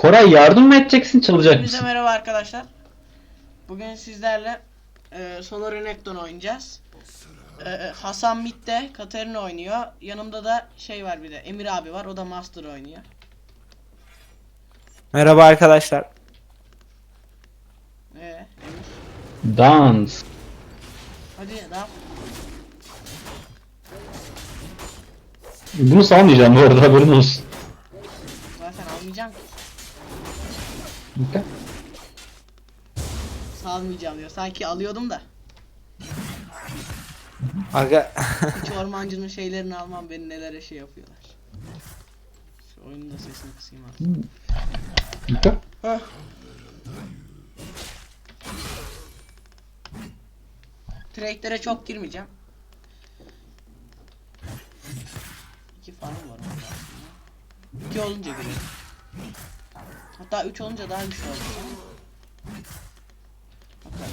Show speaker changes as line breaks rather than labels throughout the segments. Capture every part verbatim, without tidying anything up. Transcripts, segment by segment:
Koray yardım mı edeceksin, çalacak
Hepinize
mısın?
merhaba arkadaşlar. Bugün sizlerle e, Solar Renekton oynayacağız. E, Hasan midde, Katarina oynuyor. Yanımda da şey var, bir de Emir abi var, o da Master oynuyor.
Merhaba arkadaşlar.
Ee, Emir.
Dans.
Hadi daha.
Bunu salmayacağım bu arada, haberin olsun.
Zaten almayacağım ki.
Okay.
Salmayacağım diyor. Sanki alıyordum da.
Aga
Hiç ormancının şeylerini almam, beni nelere şey yapıyorlar. Şu oyunun da sesini kısayım artık.
Okay.
Heh. Trade'lere çok girmeyeceğim. İki farm var orada aslında. İki olunca girelim. Hatta üç olunca daha güçlü olacak. Bakalım.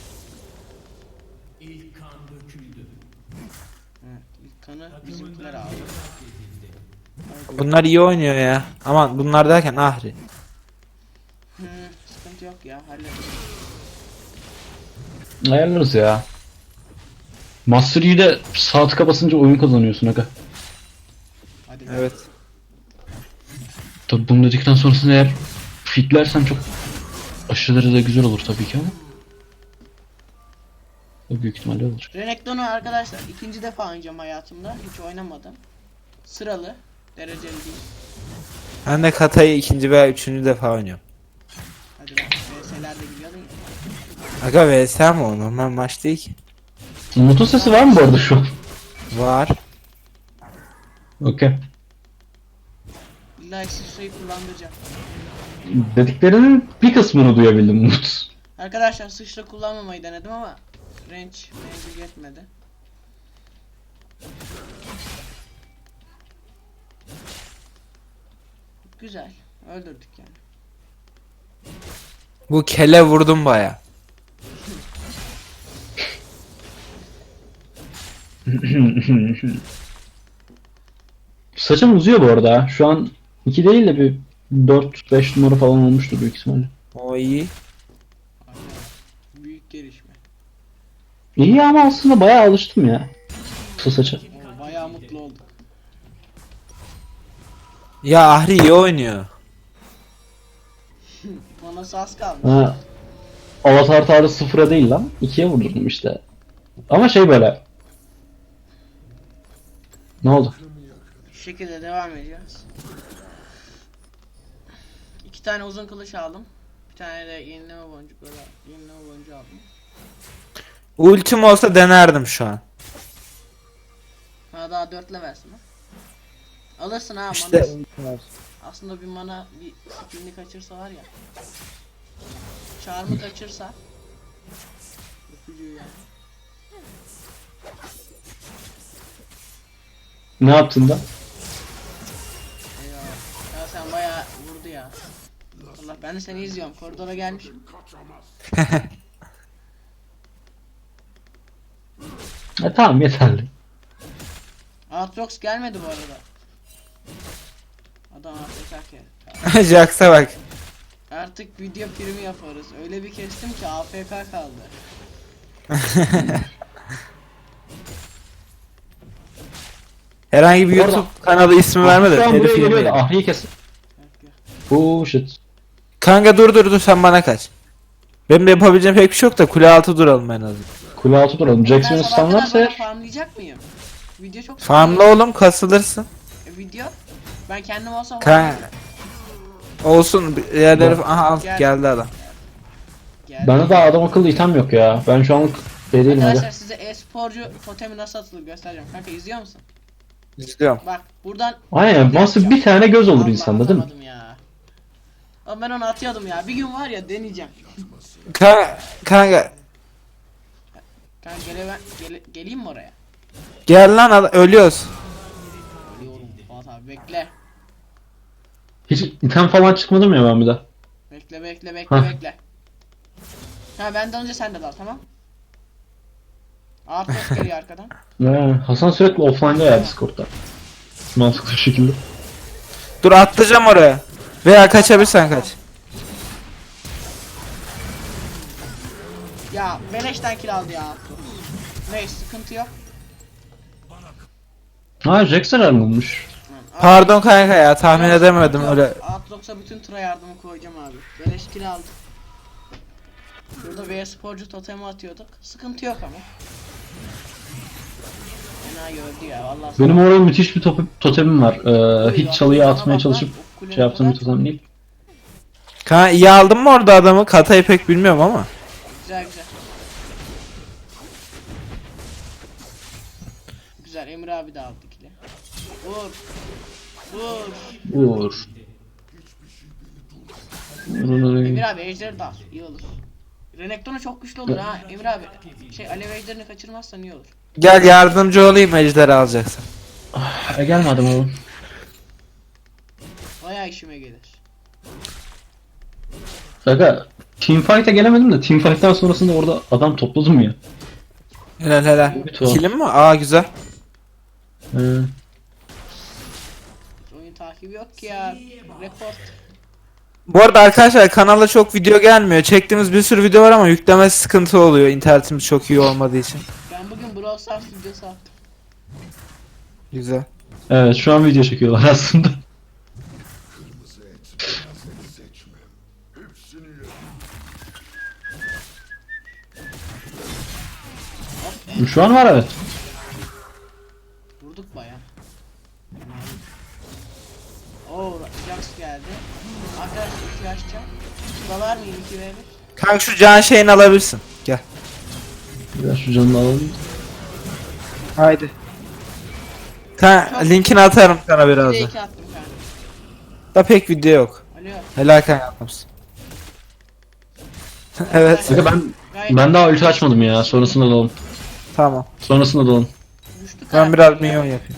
İlk kan döküldü.
Evet, ilk kanı bizimkiler aldı.
bunlar iyi oynuyor ya. Aman bunlar derken Ahri.
Hı, sıkıntı yok ya, hallederiz.
Ayarlarız ya. Master Yi'de sağ tıka basınca oyun kazanıyorsun aga.
Hadi.
Evet.
Tabi bunu dedikten sonrasında eğer fitlersen çok aşırı derecede güzel olur tabii ki ama. Büyük ihtimalle olur.
Renekton'u arkadaşlar ikinci defa oynayacağım hayatımda. Hiç oynamadım. Sıralı. Dereceli değil.
Ben de Kata'yı ikinci veya üçüncü defa oynuyorum.
Hadi bak. V S'ler de biliyordun ya.
Aga V S mi o? Normal maç değil ki.
Umut'un sesi var mı bu arada şu an?
Var.
Okey.
İlla sıçrayı kullandıracağım.
Dediklerinin bir kısmını duyabildim Umut.
Arkadaşlar sıçra kullanmamayı denedim ama range mevzu yetmedi. Güzel. Öldürdük yani.
Bu kele vurdum baya.
Saçım uzuyor bu arada ha. Şu an iki değil de bir dört beş numara falan olmuştur büyük ihtimalle.
O iyi.
Aynen. Büyük gelişme.
İyi ama aslında bayağı alıştım ya. Kısa saça.
Oo, bayağı mutlu olduk.
Ya Ahri iyi oynuyor.
Bana az kalmış.
Ha, avatar tarih sıfıra değil lan. ikiye vurdurdum işte. Ama şey böyle. Ne oldu?
Şu şekilde devam edeceğiz. İki tane uzun kılıç aldım. Bir tane de yenileme boncuk böyle yenileme boncuğu aldım.
Ultim olsa denerdim şu an.
Ha, daha dörtle versin ha. Alırsın ha,
İşte
mana. Aslında bir mana bir skillini kaçırsa var ya. Charm'ı kaçırsa. Öpücüğü yani.
Ne yaptın da?
Eyvah. Ya sen bayağı vurdu ya. Allah, ben de seni izliyorum. Koridora gelmişim.
E tamam, yeterli.
Aatrox gelmedi bu arada. Adam A F K.
Jax'a bak.
Artık video primi yaparız. Öyle bir kestim ki A F K kaldı.
Herhangi bir
Bu arada-
YouTube kanalı ismi verme de
Şu an buraya
telif
geliyor da
yemeyelim.
Ahri'yi kes.
Bak ya.
Oh shit.
Kanka dur dur dur sen bana kaç. Benim de yapabileceğim pek bir şey yok da kule altı duralım en azından.
Kule altı duralım.
Ben
Jackson'ı
sabah kadar
stunlarsa
böyle
eğer.
farmlayacak mıyım? Video çok
Farmla oğlum kasılırsın.
E, video? Ben kendim olsam
Kan olsun bir yerleri aha al
Gel.
geldi adam.
Geldi.
Bende daha adam akıllı item yok ya. Ben şu anlık şey değilim
Arkadaşlar
hadi.
size e-sporcu totemi nasıl atılır göstereceğim. Kanka izliyor musun?
İzliyorum.
Bak buradan.
Aynen. Nasıl bir tane göz olur
Allah,
insanda değil mi?
atamadım ya. Ama ben onu atıyordum ya. Bir gün var ya deneyeceğim.
Kanka, kanka
Kanka gele ben gele, geleyim mi oraya?
gel lan adam, ölüyoruz.
Ölüyorum Fuat abi, bekle.
Hiç item falan çıkmadı mı ya ben bir de?
Bekle bekle bekle
Hah.
bekle. Ha, benden önce sen de dal, tamam. Aatrox geliyor arkadan.
Ee, Hasan sürekli offline'da ya Discord'da. Mantıklı bir şekilde.
Dur atlayacağım oraya. Veya kaçabilirsen kaç.
Ya beleşten kill aldı ya. Neyse sıkıntı yok.
Ha Jax herhalde bulmuş.
Pardon kanka ya, tahmin
Yok,
edemedim
yok.
öyle.
Aatrox'a bütün tıra yardımı koyacağım abi. Beleş kill aldık. Burada V sporcu totemi atıyorduk. Sıkıntı yok ama. Fena gördü ya vallahi.
Benim orada müthiş bir tope- totemim var. Ee,
Oy,
hiç çalıyı
bana
atmaya
bak
çalışıp
lan, o kulene
şey yaptığım bir
kadar-
totem değil.
Kanka iyi aldın mı orada adamı? Katayı pek bilmiyorum ama.
Güzel güzel. Güzel Emre abi de aldı kili. Vur. Vur.
Vur. Vur.
Emir abi ejderi de al. İyi olur. Renekton'a çok güçlü olur ha. Emir abi şey alev ejderini kaçırmazsan iyi olur.
Gel yardımcı olayım, ejderi alacaksın.
E, gelmedim oğlum.
Bayağı işime gelir.
Kanka teamfight'e gelemedim de teamfight'tan sonrasında orada adam topladım ya.
Helal helal.
Bir tuhaf.
Kilim mi? Aa güzel.
Ee,
Hiç oyun takibi yok ki ya. Report.
Bu arada arkadaşlar kanala çok video gelmiyor. Çektiğimiz bir sürü video var ama yüklemesi sıkıntı oluyor. İnternetimiz çok iyi olmadığı için.
Ben bugün Brawl Stars videosu attım.
Güzel.
evet şu an video çekiyorlar aslında. Şu an var evet.
Vurduk baya. Oo Jax geldi. Arkadaşlar iki açacağım. Şuralar mıyım iki ve bir?
Kanka şu can şeyini alabilirsin. Gel.
Biraz şu canını alalım.
Haydi. Kanka linkini atarım sana
Bir de
birazdan.
iki attım kanka.
Da pek video yok.
Alo.
Helal kanka yapmışsın. Evet.
Kanka ben
Gayet
ben daha ulti açmadım ya. Sonrasında dalalım.
Tamam.
Sonrasında dalalım.
güçlü
Ben
karakter
biraz
ya.
minyon yapayım.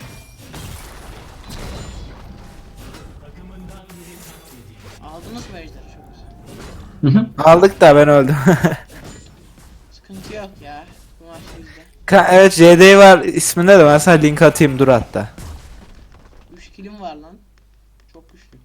Aldınız mı ejderi çok güzel.
Hı hı.
Aldık da ben öldüm.
Sıkıntı yok ya. Bu maç bizde.
Ka evet J D var isminde de ben sana link atayım dur hatta.
üç killim var lan. Çok güçlü.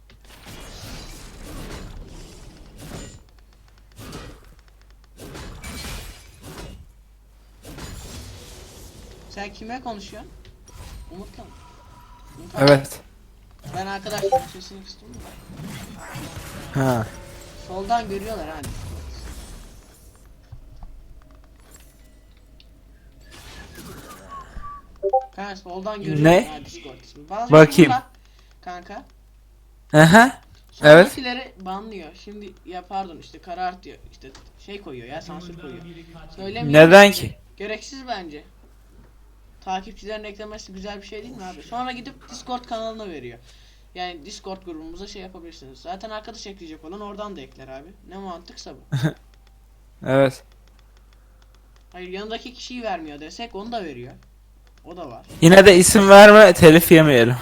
Sen kime konuşuyorsun? Umut'la mı? Umut abi,
Evet.
Ben arkadaşlarım sesini kıstım mı?
Ha.
Soldan görüyorlar hani. Kanka soldan görüyorlar
Ne?
ha Discord ismi. Bazı
Bakayım.
YouTuber'lar, Kanka.
Aha. Evet.
Sonrakileri banlıyor. Şimdi ya pardon işte karar diyor. İşte şey koyuyor ya sansür koyuyor. Söylemiyor.
Neden ki?
Gereksiz bence. Takipçilerin eklemesi güzel bir şey değil mi abi? Sonra gidip Discord kanalına veriyor. Yani Discord grubumuza şey yapabilirsiniz. Zaten arkadaş ekleyecek olan oradan da ekler abi. Ne mantıksa bu.
Evet.
Hayır yanındaki kişiyi vermiyor desek onu da veriyor. O da var.
Yine de isim verme, telif yemeyelim.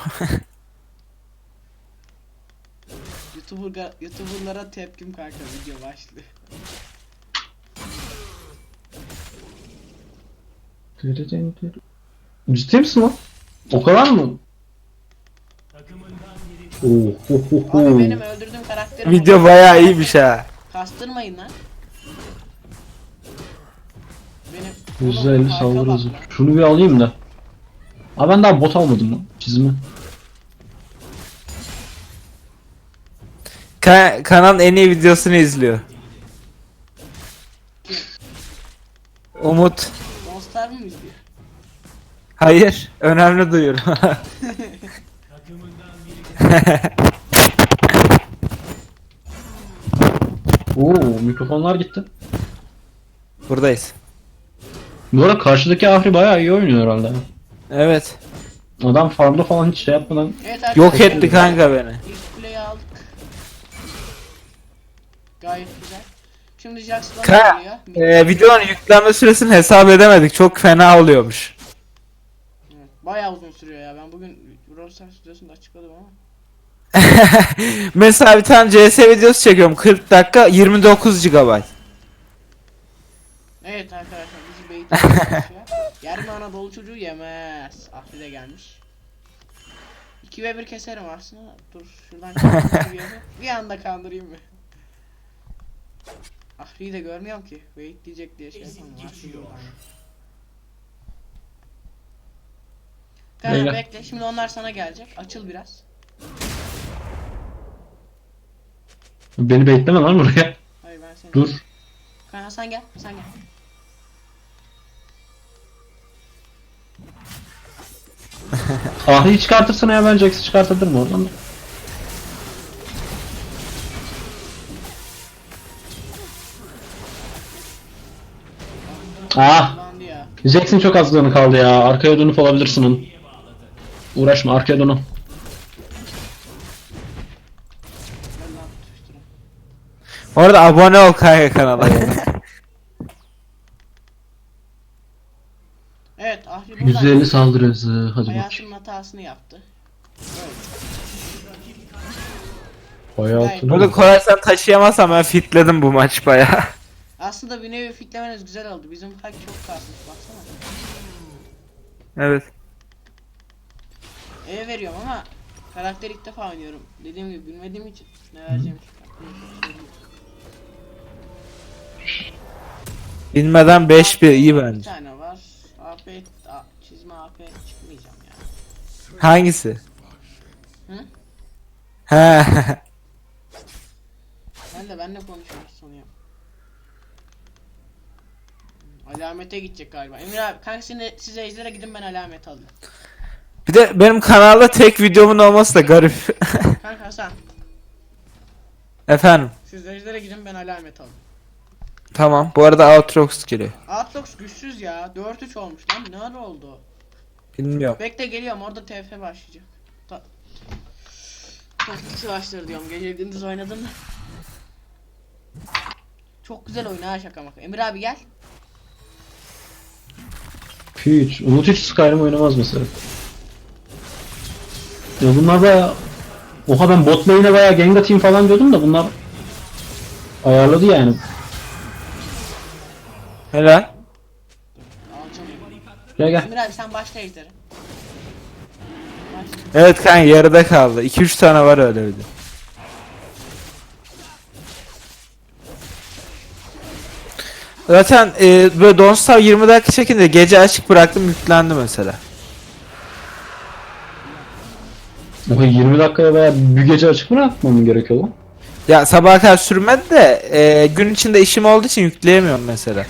YouTuber, YouTuber'lara tepkim kanka video başlığı.
Ciddi misin lan? O kadar mı? Oh, oh, oh, oh.
Abi benim öldürdüğüm karakterim
Video bayağı iyiymiş ha.
Kastırmayın lan. Benim
yüzde
Oğlum,
elli
farka
saldırı
bak
hızı.
lan.
Şunu bir alayım da. Aa ben daha bot almadım lan. Çizimi.
Ka kanalın en iyi videosunu izliyor. Umut.
Monster mı izliyor?
Hayır. Önemli duyuru.
Oo mikrofonlar gitti.
Buradayız.
Bu arada karşıdaki Ahri bayağı iyi oynuyor herhalde.
Evet.
Adam farmda falan hiç şey yapmadan.
Evet arkadaşlar.
Yok etti kanka beni.
İlk kuleyi aldık. Gayet güzel. Şimdi Jax'la
Ka
geliyor.
e, videonun yüklenme süresini hesap edemedik. Çok fena oluyormuş.
Evet, bayağı uzun sürüyor ya. Ben bugün Brawl Stars videosunda açıkladım ama.
Mesela bir tane C S videosu çekiyorum. kırk dakika yirmi dokuz gigabayt.
Evet arkadaşlar bizi beyit çalışıyor. Yarın Anadolu çocuğu yemez. Ahri de gelmiş. iki ve bir keserim aslında. Dur şuradan kandırayım. Bir anda kandırayım mı? Ahri'yi de görmüyorum ki. Wait diyecek diye şey yapamam. Ahri buradan. Kanka
Beyler.
bekle. Şimdi onlar sana gelecek. Açıl biraz.
Beni bekleme lan buraya.
Hayır ben seni.
Dur.
Kanka Hasan gel. Hasan gel.
Ahri'yi çıkartırsana ya, ben Jax'i çıkartırım oradan da. Ah!
Kullandı ya.
Jax'in çok az canı kaldı ya. Arkaya dönüp olabilirsin onun. Uğraşma, arkaya dön.
Gel lan tutuşturun.
Orada abone ol kanka kanala.
Evet Ahri buradan.
yüz elli saldırı hızı. Hadi bakayım.
Hayatının hatasını yaptı.
Hayatını.
Burada Koray sen taşıyamazsan ben fitledim bu maç baya.
Aslında bir nevi fitlemeniz güzel oldu. Bizim fight çok kasmış baksana.
Evet.
E veriyorum ama karakter ilk defa oynuyorum. Dediğim gibi bilmediğim için ne vereceğim hiç aklıma hiçbir şey değil.
Bilmeden beş bir iyi
Bir
bence.
tane var. A P A, çizme A P çıkmayacağım ya.
Hangisi?
Hı?
He.
Ben de benle konuşmak sanıyorum. Alamete gidecek galiba. Emir abi kanka size, size ejderha gidin ben alamet alayım.
Bir de benim kanalda tek videomun olması da garip.
Kanka Hasan
Efendim.
siz ejderha gidin ben alamet alayım.
Tamam. Bu arada Outrox geliyor.
Outlox güçsüz ya. dört üç olmuş lan. Ne ara oldu?
Bilmiyorum.
Bekle geliyorum orada T F başlayacak. Ta Taktik savaşları diyorum. Gece gündüz oynadım da. Çok güzel oyun ha şaka maka. Emir abi gel.
Hiç. Umut hiç Skyrim oynamaz mesela. Ya bunlar baya... Oha, ben bot lane'e baya gank atayım falan diyordum da bunlar... Ayarladı yani.
Helal.
Alacağım.
Gel gel.
Emir abi sen başla ejderi. Başla.
Evet kanka yarıda kaldı. iki üç tane var öyle bir de. Zaten e, böyle Don't Starve yirmi dakika çekince gece açık bıraktım yüklendi mesela.
Oha, yirmi dakikaya baya bir gece açık mı bırakmam gerekiyor lan?
Ya sabaha kadar sürmedi de e, gün içinde işim olduğu için yükleyemiyorum mesela.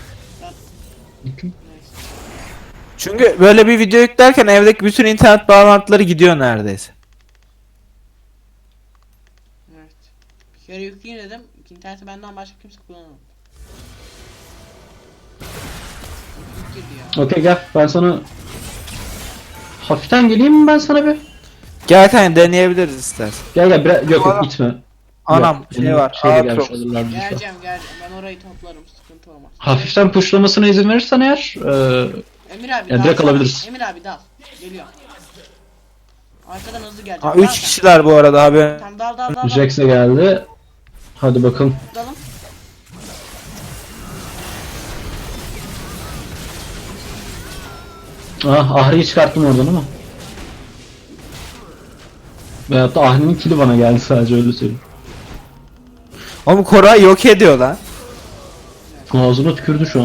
Çünkü böyle bir video yüklerken evdeki bütün internet bağlantıları gidiyor neredeyse.
Evet. Bir kere yükleyeyim dedim. İnterneti benden başka kimse kullanamadı. Yük girdi ya.
Okey gel, ben sana... Hafiften geleyim mi ben sana bir?
Gel kanka deneyebiliriz istersen.
Gel gel, biraz... yok yok gitme.
Anam
Yok,
şey
benim
var.
şeyle
Outro.
gelmiş olurlar bizi şu an.
Geleceğim geleceğim. Ben orayı toplarım. Sıkıntı olmaz.
Hafiften pushlamasına izin verirsen eğer... E,
Emir abi
Ya
dal
direkt
sana.
alabiliriz.
Emir abi dal. Geliyor. Arkadan hızlı gelecek.
Ha
Dal
üç
sen.
kişiler bu arada haberin.
Tamam dal dal dal. dal.
Jax'e geldi. Hadi bakalım.
Dalım.
Ah, Ahri'yi çıkarttım oradan ama. Veyahut da Ahri'nin kili bana geldi sadece, öyle söyleyeyim.
Oğlum Koray yok ediyor lan.
Ağzına tükürdü şu an.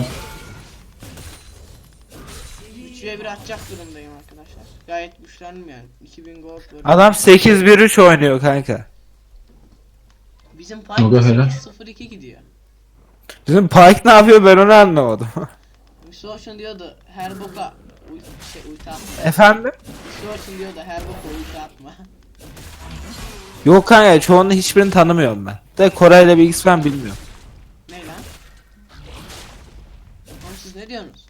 üçe bir atacak durumdayım arkadaşlar. Gayet güçlendim yani. iki bin gold böyle.
Adam sekiz bir üç oynuyor kanka.
Bizim
Yoga
fight
helal.
sıfır iki gidiyor.
Bizim Pike ne yapıyor ben onu anlamadım.
Misfortune diyordu her boka uy şey ulti atma.
Efendim?
Misfortune diyordu her boka ulti atma.
Yok kanka çoğunun hiçbirini tanımıyorum ben. De Koray'la bir X ben bilmiyorum.
Ne lan? Oğlum siz ne diyorsunuz?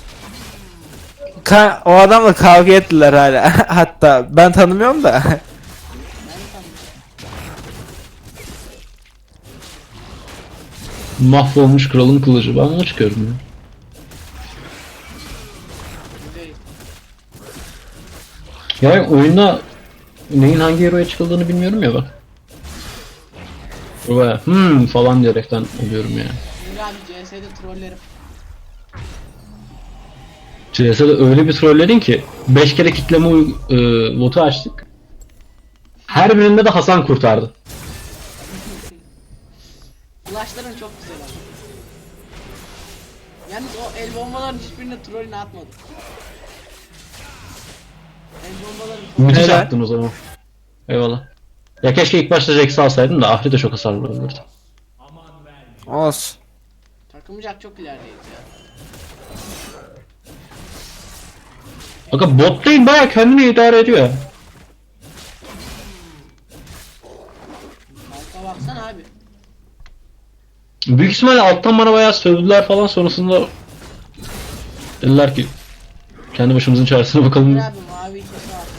Ka o adamla kavga ettiler hala. Hatta ben tanımıyorum da.
Ben de tanımıyorum.
Mahvolmuş kralın kılıcı. Ben ona çıkıyorum ya.
Güzel.
Ya oyunda neyin hangi hero'ya çıkıldığını bilmiyorum ya bak. Baya hmm falan diyerekten oluyorum yani.
Emir abi C S'de trollerim.
C S'de öyle bir trolledin ki beş kere kitleme uy- e, botu açtık. Her birinde de Hasan kurtardı.
Flashların çok güzel ama. Yalnız o el bombaların hiçbirine trollünü atmadı. El bombaları çok
Müthiş
Helal.
attın o zaman. Eyvallah. Ya keşke ilk başta Rex'i alsaydım da Ahri de çok hasarlı olurdu.
Olsun.
takımcak çok ilerideyiz ya.
Bakın bot lane baya kendini idare ediyor ya.
Halka baksana abi.
Büyük ihtimalle alttan bana bayağı sövdüler falan, sonrasında dediler ki kendi başımızın çaresine bakalım.
Emir abi mavi ikisi var.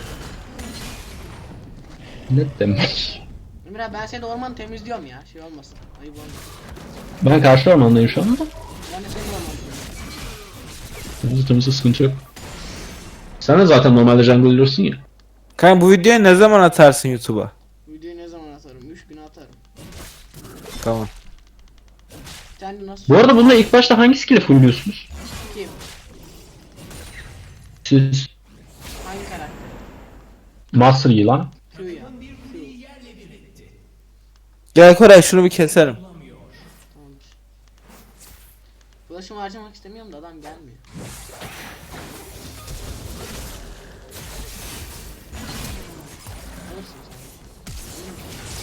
Ne demek?
Emir abi ben seni ormanı temizliyorum ya, şey olmasın. Ayıp olmasın.
Ben karşı ormandayım şu anda.
Ben de seni ormanı temizliyorum.
Temizli temizli, sıkıntı yok. Sen de zaten normalde jungle yürüyorsun ya.
Kanka bu videoyu ne zaman atarsın YouTube'a?
Videoyu ne zaman atarım? üç güne atarım.
Tamam.
Sen de nasıl?
Bu arada bunda ilk başta hangi skill'i fullüyorsunuz?
Kim?
Siz
Hangi karakter?
Master Yi lan.
Q ya. Q.
Gel Koray şunu bir keselim.
Tamamdır. Flash'ımı harcamak istemiyorum da adam gelmiyor. Alırsın sen.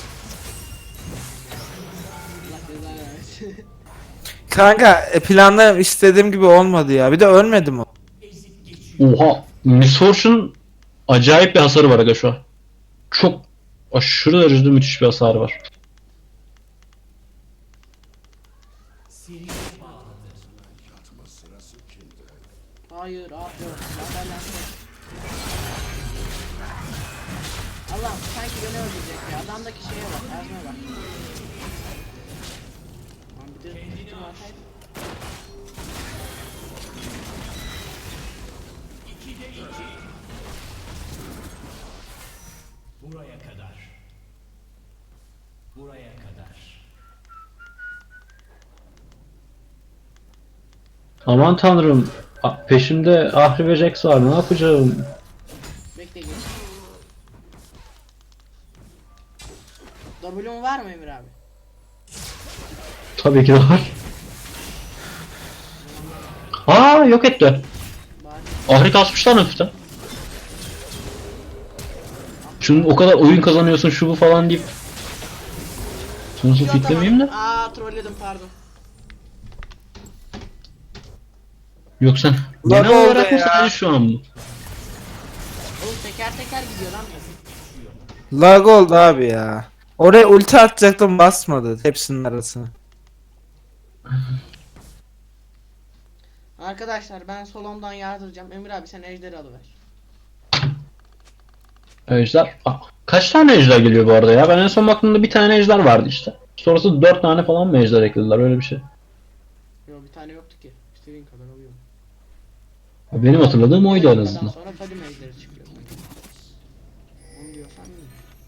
Allah cezanı versin.
Kanka e, planlarım istediğim gibi olmadı ya. Bir de ölmedim o.
Oha. Miss Fortune'un acayip bir hasarı var aga şu an. Çok aşırı derecede müthiş bir hasarı var.
Hayır abi yok. Ben ben Allah'ım sanki beni öldürecek ya. Adamdaki şeye bak. Erzme bak. Lan bir de tuttum ataydı.
Buraya kadar. Buraya kadar.
Aman tanrım. A- Peşimde Ahri ve Jax var. Ne yapacağım?
Bekle geç. W'un var mı Emir abi?
Tabii ki de var. Aa, yok etti.
Bari.
Ahri kasmışlar hafiften. Şunun o kadar oyun kazanıyorsun şu bu falan deyip sonuçta
Yok,
fitlemeyeyim de.
tamam. Aa trolledim pardon.
Yok sen.
Lan
Genel
oldu
olarak mı
ya.
sadece şu an mı?
Oğlum teker teker gidiyor lan.
Lag oldu abi ya. Oraya ulti atacaktım basmadı hepsinin arasına.
Arkadaşlar ben solomdan yardıracağım. Emir abi sen ejderi alıver.
Ejder. Aa, kaç tane ejder geliyor bu arada ya? Ben en son baktığımda bir tane ejder vardı işte. Sonrası dört tane falan mı ejder eklediler, öyle bir şey.
Yok bir tane yoktu ki. İstediğin kadar alıyorum.
Benim hatırladığım oydu en
Ondan
azından.
sonra Fadim ejderi çıkıyor. Onu diyorsan iyi.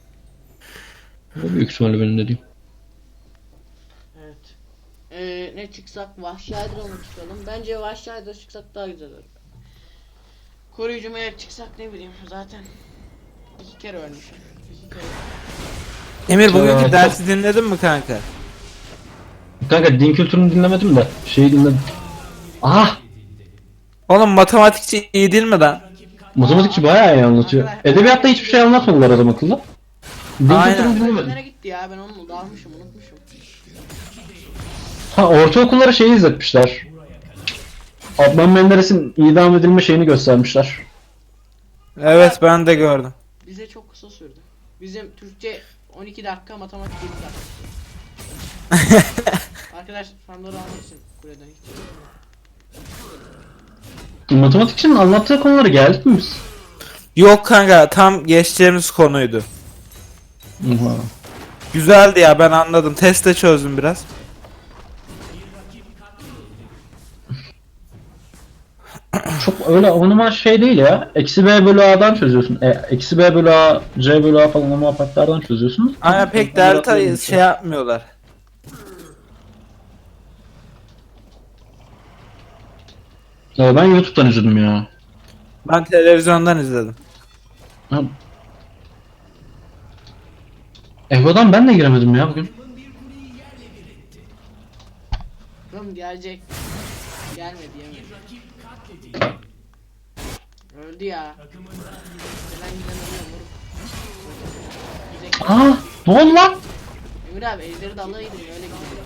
O büyük ihtimalle benim dediğim.
Evet. Ee, ne çıksak? Vahşi Hydra mı çıkalım? Bence Vahşi Hydra çıksak daha güzel olur. Koruyucu melek çıksak ne bileyim zaten. İki kere ölmüşüm. İki kere.
Emir bugünkü
Evet.
dersi dinledin mi kanka?
Kanka din kültürünü dinlemedim de şeyi dinledim. Ah!
Oğlum matematikçi iyi değil mi lan?
Matematikçi bayağı iyi anlatıyor. Edebiyatta hiçbir şey anlatmadılar adam akıllı. Din
Aynen.
kültürünü dinlemedim.
Nereye gitti ya? Ben onu dalmışım, unutmuşum.
Ha, ortaokullara şeyi izletmişler. Adnan Menderes'in idam edilme şeyini göstermişler.
Evet ben de gördüm.
Bize çok kısa sürdü. Bizim Türkçe on iki dakika, matematik yedi dakika. Arkadaş fanları almak için kuleden hiç.
Matematikçinin anlattığı konuları geldik mi biz?
Yok kanka tam geçeceğimiz konuydu.
Oha.
Güzeldi ya ben anladım. Testte çözdüm biraz.
Çok öyle onuma şey değil ya. Eksi B bölü A'dan çözüyorsun. E, eksi B bölü A, C bölü A falan o muhabbetlerden çözüyorsunuz.
Aynen pek delta şey yapmıyorlar.
Ya ben YouTube'dan izledim ya.
Ben televizyondan izledim.
Ha, Evo'dan ben de giremedim ya bugün.
Oğlum gelecek. Gelmedi yemedi. Öldü ya. Gelen giden ölüyor moruk. Gidecek.
Aa, ne oldu lan?
Emir abi ejderi de alaydın öyle gidiyor.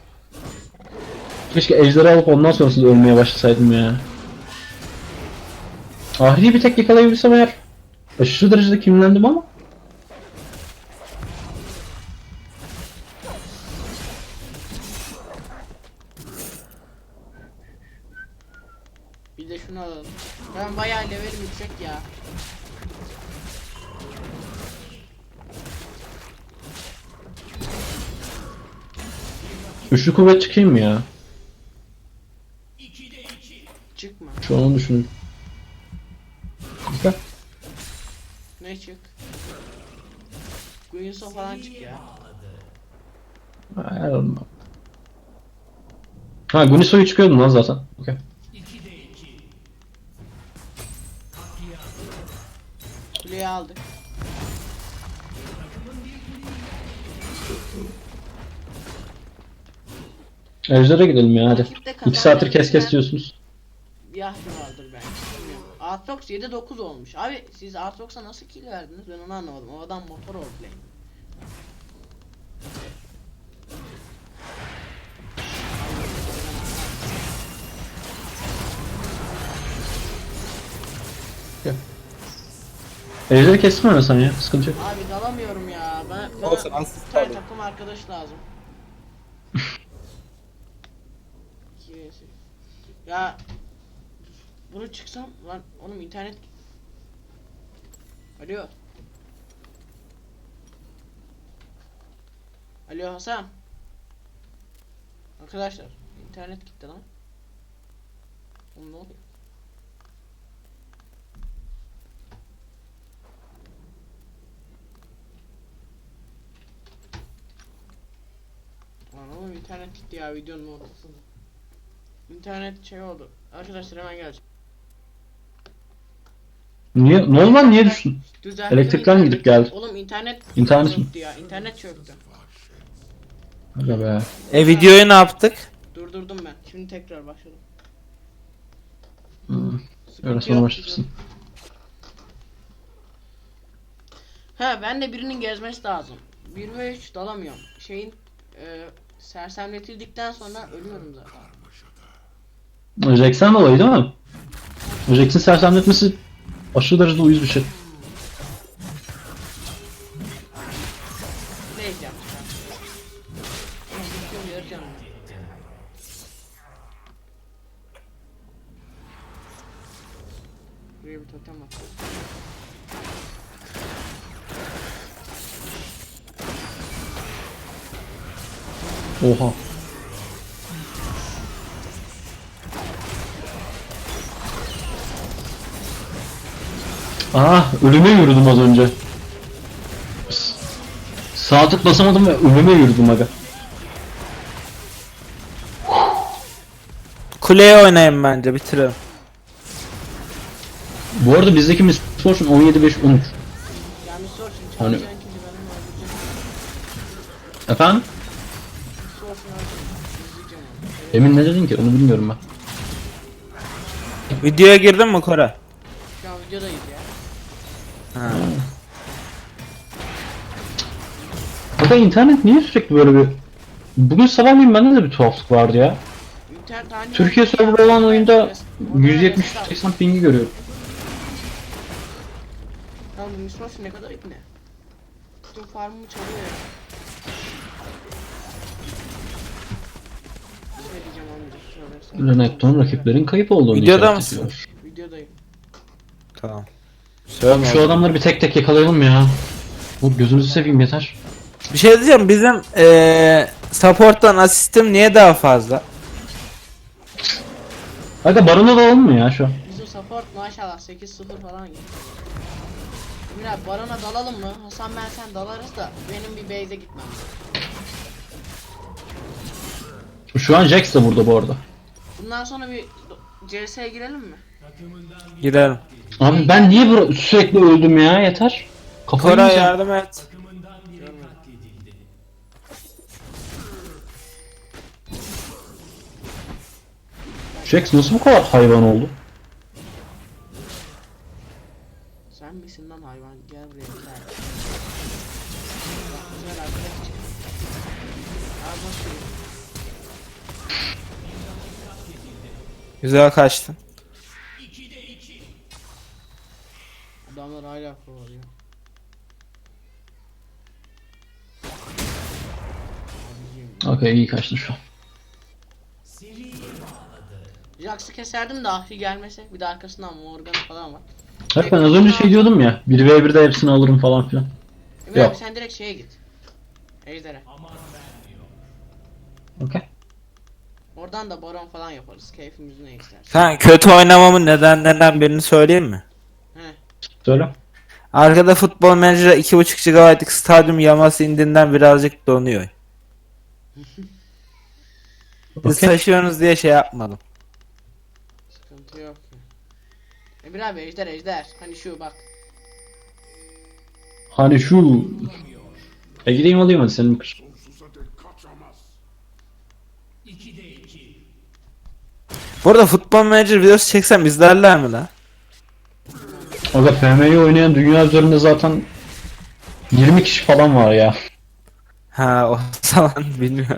Keşke ejderi alıp ondan sonrasında ölmeye başlasaydım ya. Ahri'yi bir tek yakalayabilsem eğer aşırı derecede kinlendim ama.
Bir de şunu alalım. Ben bayağı levelim yüksek ya.
Üçlü kuvvet çıkayım mı ya?
Çıkma.
Şu an onu düşünüyorum. Güzel.
Ne çık? Guinsoo falan çık ya.
Hayır olmam. Ha, Guniso'yu çıkıyordum lan zaten. Okay.
Kuleyi aldık.
Ejder'e gidelim ya hadi.
Rakipte
İki saattir kes kes
kazanmak
diyorsunuz.
Yahya vardır belki. Bilmiyorum. Aatrox yedi dokuz olmuş. Abi siz Aatrox'a nasıl kill verdiniz? Ben onu anlamadım. O adam motor oldu lane.
Ejder'i kestim mi sen ya? Sıkıntı yok.
Abi dalamıyorum ya. Ben, bana
Olsun,
bir
asist
tane
alayım.
takım arkadaş lazım. İki vs. Ya bunu çıksam lan oğlum internet. Alo. Alo Hasan. Arkadaşlar internet gitti lan. Oğlum ne oluyor? Lan oğlum internet gitti ya videonun ortasında. İnternet şey oldu. Arkadaşlar hemen geleceğim.
Niye? Ne oldu lan? Niye düştün?
Düzelttim
Elektrikler mi
internet.
gidip geldi?
Oğlum internet
İnternet mi?
çöktü ya. İnternet çöktü.
Aga be.
E videoyu ne yaptık?
Durdurdum ben. Şimdi tekrar başladım.
Hmm.
Sıkıntı
Öyle sonra
yok,
başlarsın.
Ha ben de birinin gezmesi lazım. bir ve üç dalamıyorum. Şeyin e, sersemletildikten sonra ölüyorum zaten.
Jackson olayı değil mi? Jackson sersemletmesi aşırı derecede uyuz bir şey.
Ne diyeceğim? Ama yarı canım. Buraya bir totem at.
Oha. Ah, ölüme yürüdüm az önce. S- Sağ tık basamadım ve ölüme yürüdüm aga.
Kuleye oynayın bence bitirelim.
Bu arada bizdeki Miss Fortune on yedi beş on üç.
Yani sor şimdi
Hani-
çalışan kişi benim öldürecek.
Efendim?
Sorsun öldürecek. İzleyeceğim onu. Evet,
Emin ne dedin ki? Onu bilmiyorum ben.
Videoya girdin mi Kore?
şu an videodayız ya.
Ha.
Aga internet niye sürekli böyle bir... Bugün sabahleyin bende de bir tuhaflık vardı ya.
İnternet halinde-
Türkiye server olan oyunda
Orada
yüz yetmiş
reset al.
seksen pingi görüyorum.
Lan bu Misros ne kadar ipne? Bütün farmımı çalıyor ya. Bir şey diyeceğim amca. Şöyle sen-
Renekton rakiplerin kayıp olduğunu
Videoda
işaret
mısın?
ediyor.
Videodayım.
Tamam.
Abi şu adamları bir tek tek yakalayalım ya. Bu gözünüzü seveyim yeter.
Bir şey diyeceğim, bizim eee support'tan asistim niye daha fazla?
Aga barona da alalım mı ya şu an?
Bizim support maşallah sekiz sıfır falan gitti. Emir abi barona dalalım mı? Hasan ben sen dalarız da benim bir base'e gitmem.
Şu an Jax da burada bu arada.
Bundan sonra bir C S'ye girelim mi?
Gidelim.
Abi ben niye bura- sürekli öldüm ya yeter. Kafayı
Kore
yiyeceğim.
yardım et.
Jax nasıl bu kadar hayvan oldu?
Sen misin lan hayvan? Gel buraya gel. Bak, güzel arkadaş. Abi nasıl?
Güzel kaçtın.
Adamlar hala kovalıyor. Abicim.
Okey, iyi kaçtın şu an.
Jax'ı keserdim de Ahri gelmese. Bir de arkasından Morgan falan var.
Hayır, ben az önce şey diyordum ya, bir ve birde hepsini alırım falan filan.
Emre
Yok.
abi sen direkt şeye git. Ejder'e.
Okey.
Oradan da baron falan yaparız. Keyfimiz ne istersen.
Sen kötü oynamamın nedenlerinden birini söyleyeyim mi?
He.
Söyle.
Arkada futbol menajeri iki buçuk gigabaytlık stadyum yaması indiğinden birazcık donuyor. Siz
Okey.
taşıyorsunuz diye şey yapmadım.
Sıkıntı yok ya. Emre abi ejder ejder. Hani şu bak.
Hani şu... E gideyim alayım hadi senin kız.
Bu arada futbol menajer videosu çeksem izlerler mi lan?
Aga F M'yi oynayan dünya üzerinde zaten yirmi kişi falan var ya.
Ha o zaman bilmiyorum.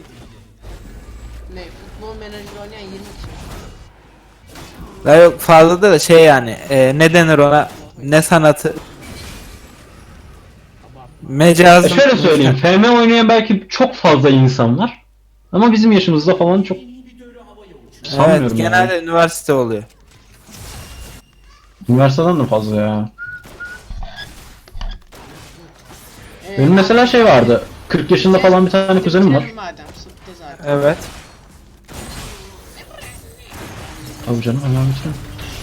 Ne futbol menajeri oynayan yirmi kişi.
Daha yok fazla da şey yani e, ne denir ona, ne sanatı,
E
mecazı.
şöyle söyleyeyim, F M oynayan belki çok fazla insan var. Ama bizim yaşımızda falan çok sanmıyorum.
Evet, genelde
yani.
üniversite oluyor.
Üniversiteden de fazla ya.
Ee,
Benim mesela şey vardı. kırk yaşında falan bir tane kuzenim var.
bitirelim madem sıktı zaten.
Evet.
Abi canım hemen bitirelim.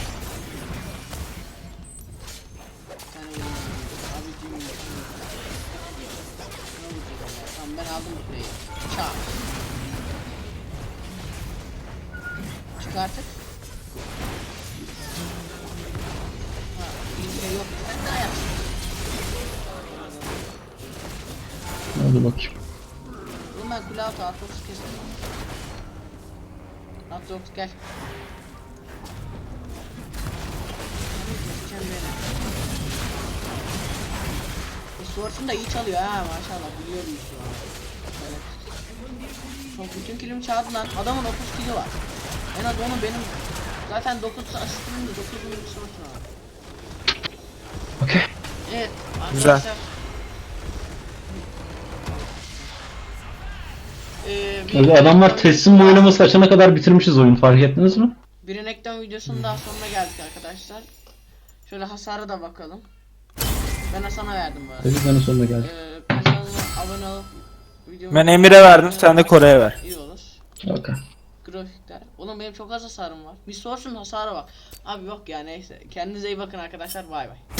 Bir tane vurayım. Abicim. Ne vuracağız ya? Tamam ben aldım bu kuleyi. Çak. Çık artık. Ha, bir şey yok. Sen daha yap.
Hadi bakayım.
Oğlum ben kule altı Aatrox kestim. Aatrox gel. Keseceğim beni. E, Swords'un da iyi çalıyor ha maşallah biliyorum şu an. Evet. Çok bütün kilimi çaldı lan. Adamın dokuz kili var. En az onu benim zaten dokuz asistimin de dokuzun bir Swords'un var.
Okey.
Evet
Güzel.
arkadaşlar. Ee, bir-
Abi adamlar teslim oynaması açana kadar bitirmişiz oyunu, fark ettiniz mi?
Bir Renekton videosunun daha sonuna geldik arkadaşlar. Şöyle hasara da bakalım. Ben Hasan'a verdim bu arada.
Dedi bana sonuna geldi.
Ee, kanalıma abone olup videomu...
Ben Emir'e verdim, sen de Kore'ye ver.
İyi olur.
Okey.
Grafikler. Oğlum benim çok az hasarım var. Bir sorsun hasara bak. Abi yok ya neyse. Kendinize iyi bakın arkadaşlar. Bay bay.